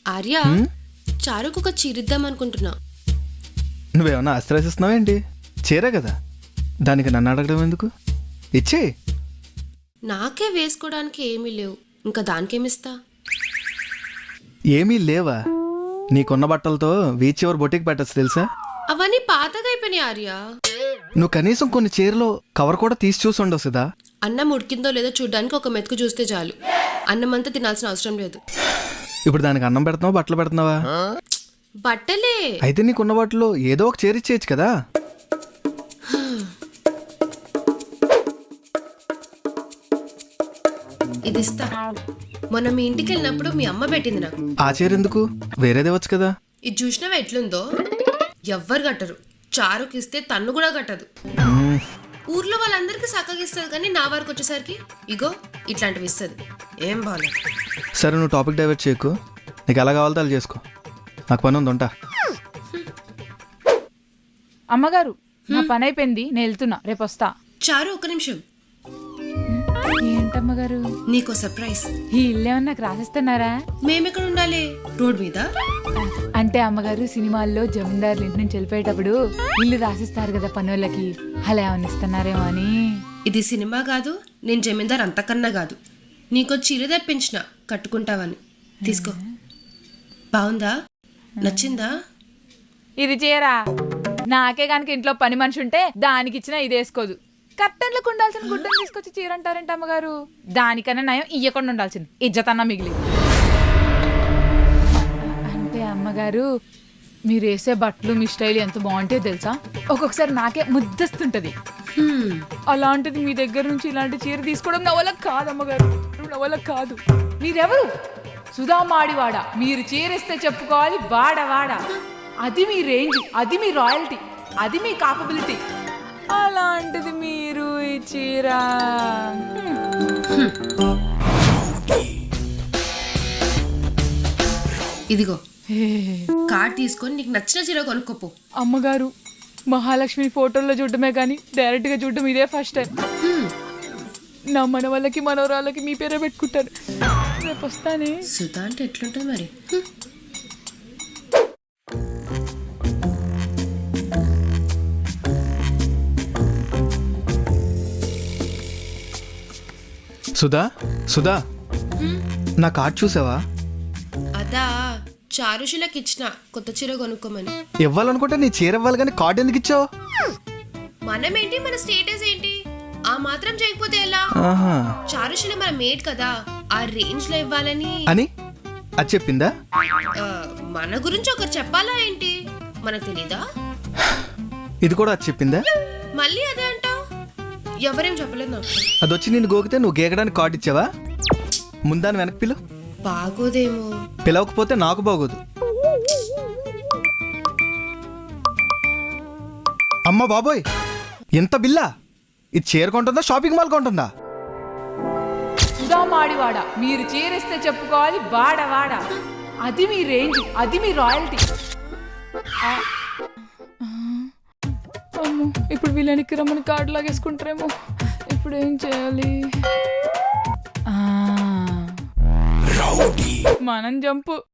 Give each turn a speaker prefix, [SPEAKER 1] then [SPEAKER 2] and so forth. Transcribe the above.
[SPEAKER 1] ఆర్య చారుకు ఒక చీరిద్దాం అనుకుంటున్నా.
[SPEAKER 2] నువ్వేమన్నా ఆశ్రయిస్తున్నావు ఏంటి? చీరే కదా, దానికి నన్ను అడగడం ఎందుకు? ఇచ్చే.
[SPEAKER 1] నాకే వేసుకోవడానికి ఏమీ లేవు, ఇంకా దానికేమిస్తా?
[SPEAKER 2] ఏమీ లేవా? నీకున్న బట్టలతో వీచ్ చివరి బొటికి పెట్టచ్చు తెలుసా?
[SPEAKER 1] అవన్నీ పాతగా అయిపోయినాయి ఆర్య.
[SPEAKER 2] నువ్వు కనీసం కొన్ని చీరలో కవర్ కూడా తీసి చూసి ఉండవు కదా.
[SPEAKER 1] అన్నం ఉడికిందో లేదో చూడ్డానికి ఒక మెతుకు చూస్తే చాలు, అన్నం అంతా తినాల్సిన అవసరం లేదు.
[SPEAKER 2] ఇప్పుడు దానికి అన్నం పెడుతున్నావా, బట్టలు పెడుతున్నావా?
[SPEAKER 1] బట్టలే.
[SPEAKER 2] అయితే నీకున్న వాటిలో ఏదో ఒక చీర ఇచ్చేయచ్చు కదా.
[SPEAKER 1] ఇది ఇస్తా. మొన్న మీ ఇంటికి వెళ్ళినప్పుడు మీ అమ్మ పెట్టింది నాకు.
[SPEAKER 2] ఆ చీర ఎందుకు? వేరేదే వచ్చు కదా.
[SPEAKER 1] ఇది చూసినావా ఎట్లుందో? ఎవ్వరు కట్టరు. చారుకి ఇస్తే తన్ను కూడా కట్టదు. ఊర్లో వాళ్ళందరికీ చక్కగా ఇస్తుంది, కానీ నా వరకు వచ్చేసరికి ఇగో ఇట్లాంటివి ఇస్తుంది. ఏం బాగాలేదు.
[SPEAKER 2] సరే, నువ్వు టాపిక్ డైవర్ట్ చేయకు. నీకు ఎలా కావాలో అలా చేసుకో. నాకు పని ఉంది, ఉంటా.
[SPEAKER 3] అమ్మగారు, నా పని అయిపోయింది, నేను వెళ్తున్నా, రేపు వస్తా.
[SPEAKER 1] చారు ఒక నిమిషం.
[SPEAKER 3] ఏంటమ్మగారు?
[SPEAKER 1] నీకో సర్ప్రైజ్.
[SPEAKER 3] ఈ ఇల్లు ఏమన్నా నాకు రాసిస్తున్నారా?
[SPEAKER 1] మేమెక్కడ ఉండాలి? రోడ్ మీద?
[SPEAKER 3] అంటే అమ్మగారు, సినిమాల్లో జమీందారులు ఇంటి నుంచి వెళ్ళిపోయేటప్పుడు ఇల్లు రాసిస్తారు కదా పనులకి, అలా ఏమన్నా ఇస్తున్నారేమో అని.
[SPEAKER 1] ఇది సినిమా కాదు, నేను జమీందార్ అంతకన్నా కాదు. నీకో చీర తెప్పించిన, కట్టుకుంటావని. తీసుకో. బాగుందా? నచ్చిందా?
[SPEAKER 3] ఇది చీరా? నాకే కనుక ఇంట్లో పని మనిషి ఉంటే దానికి ఇచ్చినా ఇది వేసుకోదు. కట్టెన్లకు ఉండాల్సిన గుడ్డను తీసుకొచ్చి చీర అంటారేంటి అమ్మగారు? దానికన్నా నయం ఇయ్యకుండా ఉండాల్సింది, ఇజ్జతన్నా మిగిలింది. అంటే అమ్మగారు, మీరు వేసే బట్టలు మీ స్టైల్ ఎంత బాగుంటే తెలుసా? ఒక్కొక్కసారి నాకే ముద్దస్తుంటది. అలాంటిది మీ దగ్గర నుంచి ఇలాంటి చీర తీసుకోవడం నా వల్ల కాదు అమ్మగారు, నా వల్ల కాదు. మీరెవరు? సుధామాడివాడ. మీరు చీరేస్తే చెప్పుకోవాలి వాడ. అది మీ రేంజ్, అది మీ రాయల్టీ, అది మీ కాపబిలిటీ. అలాంటిది మీరు ఈ చీర.
[SPEAKER 1] ఇదిగో కార్డ్ తీసుకొని నీకు నచ్చిన చీర కొనుక్కోపో.
[SPEAKER 3] అమ్మగారు, మహాలక్ష్మి ఫోటోల్లో చూడటమే కానీ డైరెక్ట్ గా చూడటం ఇదే ఫస్ట్ టైం. నా మనవళ్ళకి మనవరాళ్ళకి మీ పేరే పెట్టుకుంటారు. రేపు వస్తానే.
[SPEAKER 1] సుధా అంటే ఎట్లుంటుంది మరి?
[SPEAKER 2] సుధా, నా కార్డ్ చూసావా?
[SPEAKER 1] అదా, చారుషులకి ఇచ్చిన కొత్త చీర కొనుక్కోమని.
[SPEAKER 2] ఇవ్వాలనుకుంటే నీ చీర ఇవ్వాలి, కానీ కార్డు ఎందుకు ఇచ్చావు?
[SPEAKER 1] మనమేంటి, మన స్టేటస్ ఏంటి? ఆ మాత్రం చేయకపోతే ఎలా? చారుషుల మన మేడ్ కదా, ఆ రేంజ్ లో ఇవ్వాలని
[SPEAKER 2] అని అది చెప్పిందా?
[SPEAKER 1] మన గురించి ఒకరు చెప్పాలా ఏంటి? మనకు తెలీదా?
[SPEAKER 2] ఇది కూడా అది చెప్పిందా?
[SPEAKER 1] మళ్ళీ అదే అంటావు? ఎవరేం చెప్పలేదు నాకు.
[SPEAKER 2] అది వచ్చి నేను గోకితే నువ్వు గేకడానికి కార్డు ఇచ్చావా? ముందాని వెనక్కి పిలు.
[SPEAKER 1] బాగోదేమో.
[SPEAKER 2] పిలవకపోతే నాకు బాగోదు. అమ్మ బాబోయ్, ఎంత బిల్లా! ఇది చీర కొంటుందా, షాపింగ్ మాల్ కొంటుందా?
[SPEAKER 3] సుధామాడివాడ. మీరు చీరేస్తే చెప్పుకోవాలి వాడ. అది మీ రేంజ్, అది మీ రాయల్టీ. అమ్మో, ఇప్పుడు వీళ్ళనికి రమ్మని కార్డు లాగేసుకుంటారేమో. ఇప్పుడు ఏం చేయాలి? మనం జంపు.